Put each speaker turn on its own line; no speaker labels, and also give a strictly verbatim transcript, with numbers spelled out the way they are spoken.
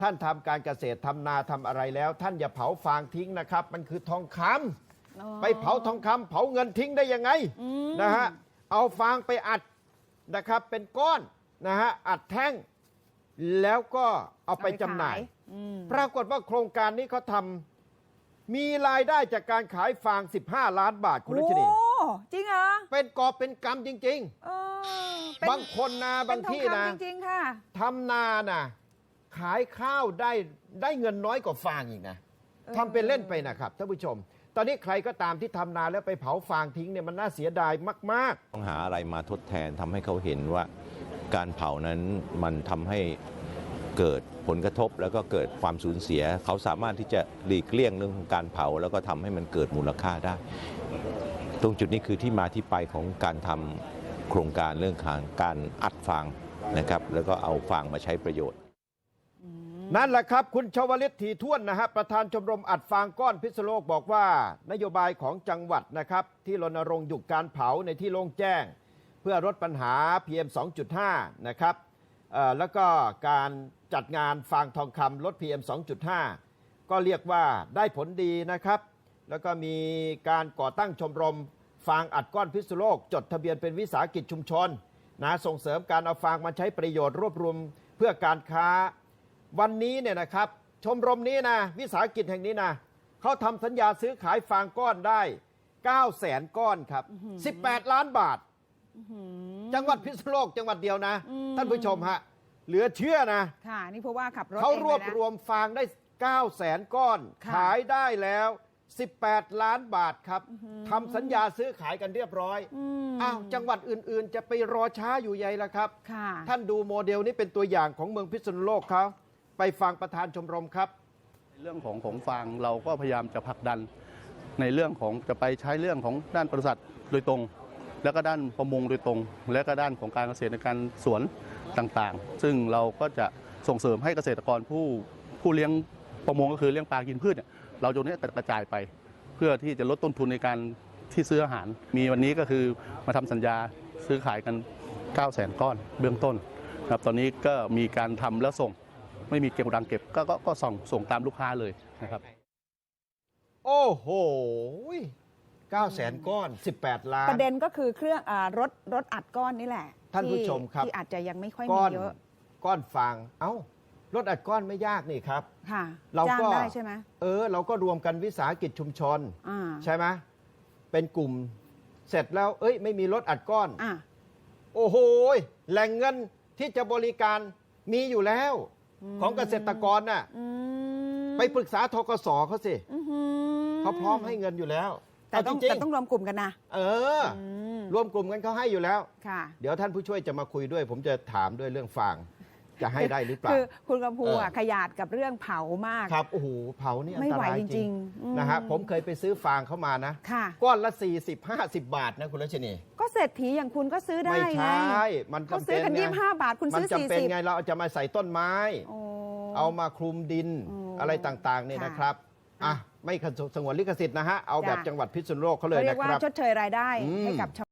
ท่านทำการเกษตรทำนาทำอะไรแล้ว ท่านอย่าเผาฟางทิ้งนะครับมันคือทองคำไปเผาทองคำเผาเงินทิ้งได้ยังไงนะฮะเอาฟางไปอัดนะครับเป็นก้อนนะฮะอัดแท่งแล้วก็เอาไปจำหน่ายปรากฏว่าโครงการนี้เขาทำมีรายได้จากการขายฟางสิบห้าล้านบาทคุณรัชนี
โอ้จริงเหรอ
เป็นกอบเป็นกำจริงๆบางคนนะบางที่นะ
จริงๆค่ะ
ทำนานะขายข้าวได้ได้เงินน้อยกว่าฟางอีกนะทำเป็นเล่นไปนะครับท่านผู้ชมตอนนี้ใครก็ตามที่ทำนาแล้วไปเผาฟางทิ้งเนี่ยมันน่าเสียดายมาก
ๆต้องหาอะไรมาทดแทนทำให้เขาเห็นว่าการเผานั้นมันทำให้เกิดผลกระทบแล้วก็เกิดความสูญเสียเขาสามารถที่จะหลีกเลี่ยงเรื่องของการเผาแล้วก็ทำให้มันเกิดมูลค่าได้ตรงจุดนี้คือที่มาที่ไปของการทำโครงการเรื่องของการอัดฟางนะครับแล้วก็เอาฟางมาใช้ประโยชน์
นั่นแหละครับคุณชวลิต ถี่ถ้วนนะฮะประธานชมรมอัดฟางก้อนพิษณุโลกบอกว่านโยบายของจังหวัดนะครับที่รณรงค์หยุดการเผาในที่โล่งแจ้งเพื่อลดปัญหา พี เอ็ม สองจุดห้า นะครับแล้วก็การจัดงานฟางทองคำลด พี เอ็ม สองจุดห้า ก็เรียกว่าได้ผลดีนะครับแล้วก็มีการก่อตั้งชมรมฟางอัดก้อนพิษณุโลกจดทะเบียนเป็นวิสาหกิจชุมชนนะส่งเสริมการเอาฟางมาใช้ประโยชน์รวบรวมเพื่อการค้าวันนี้เนี่ยนะครับชมรมนี้นะวิสาหกิจแห่งนี้นะเขาทำสัญญาซื้อขายฟางก้อนได้เก้าแสนก้อนครับสิบแปดล้านบาทจังหวัดพิษณุโลกจังหวัดเดียวนะท่านผู้ชมฮะเหลือเชื่อนะ
ค่ะนี่เพราะว่าขับรถ
เขารวบรวมฟางได้เก้าแสนก้อนขายได้แล้วสิบแปดล้านบาทครับทำสัญญาซื้อขายกันเรียบร้อยอ้าวจังหวัดอื่นๆจะไปรอช้าอยู่ใหญ่ละครับท่านดูโมเดลนี้เป็นตัวอย่างของเมืองพิษณุโลกเขาไปฟังประธานชมรมครับ
เรื่องของของฟางเราก็พยายามจะผลักดันในเรื่องของจะไปใช้เรื่องของด้านปศุสัตว์โดยตรงแล้วก็ด้านประมงโดยตรงและก็ด้านของการเกษตรในการสวนต่างๆซึ่งเราก็จะส่งเสริมให้เกษตรกรผู้ผู้เลี้ยงประมงก็คือเลี้ยงปลากินพืชเนี่ยเราตรงนี้กระจายไปเพื่อที่จะลดต้นทุนในการที่ซื้ออาหารมีวันนี้ก็คือมาทำสัญญาซื้อขายกันเก้าแสนก้อนเบื้องต้นครับตอนนี้ก็มีการทำแล้วส่งไม่มีเก็บดังเก็บก็ก็ส่งส่งตามลูกค้าเลยนะครับ
โอ้โหเก้าแสนก้อนสิบแปดล้าน
ประเด็นก็คือเครื่องอรถรถอัดก้อนนี่แหละ
ท่านผู้ชมครับ
ที่อาจจะยังไม่ค่อยมีเยอะ
ก้อนฟางเอ้ารถอัดก้อนไม่ยากนี่ครับ
ค่ะ
เราก็
ได้ใช่ไหม
เออเราก็รวมกันวิสาหกิจชุมชนใช่ไหมเป็นกลุ่มเสร็จแล้วเอ้ยไม่มีรถอัดก้อนโอ้โหแหล่งเงินที่จะบริการมีอยู่แล้วของเกษตรกรน่ะไปปรึกษาธกสเขาสิเขาพร้อมให้เงินอยู่แล้ว
แต่ต้องแต่ต้องรวมกลุ่มกันนะ
เออรวมกลุ่มกันเขาให้อยู่แล้วเดี๋ยวท่านผู้ช่วยจะมาคุยด้วยผมจะถามด้วยเรื่องฟางจะให้ได้หรือเปล่า
คือคุณกำพูขยาดกับเรื่องเผามาก
ครับโอ้โหเผานี่อันตรายจริงนะฮะผมเคยไปซื้อฟางเข้ามานะก้อนละสี่สิบ ห้าสิบบาทนะคุณรัชนี
ก็เศรษฐีอย่างคุณก็ซื้อได้
ไม่ใช่มัน
จำเป็นกันยี่สิบห้าบาทคุณซื้อสี่สิบ
มันจำเป็นไงเราจะมาใส่ต้นไม้เอามาคลุมดินอะไรต่างๆเนี่ยนะครับอ่ะไม่สงวนลิขสิทธิ์นะฮะเอาแบบจังหวัดพิษณุโลกเขาเลยนะครับ
เรียกว่าชดเชยรายได้ให้กับ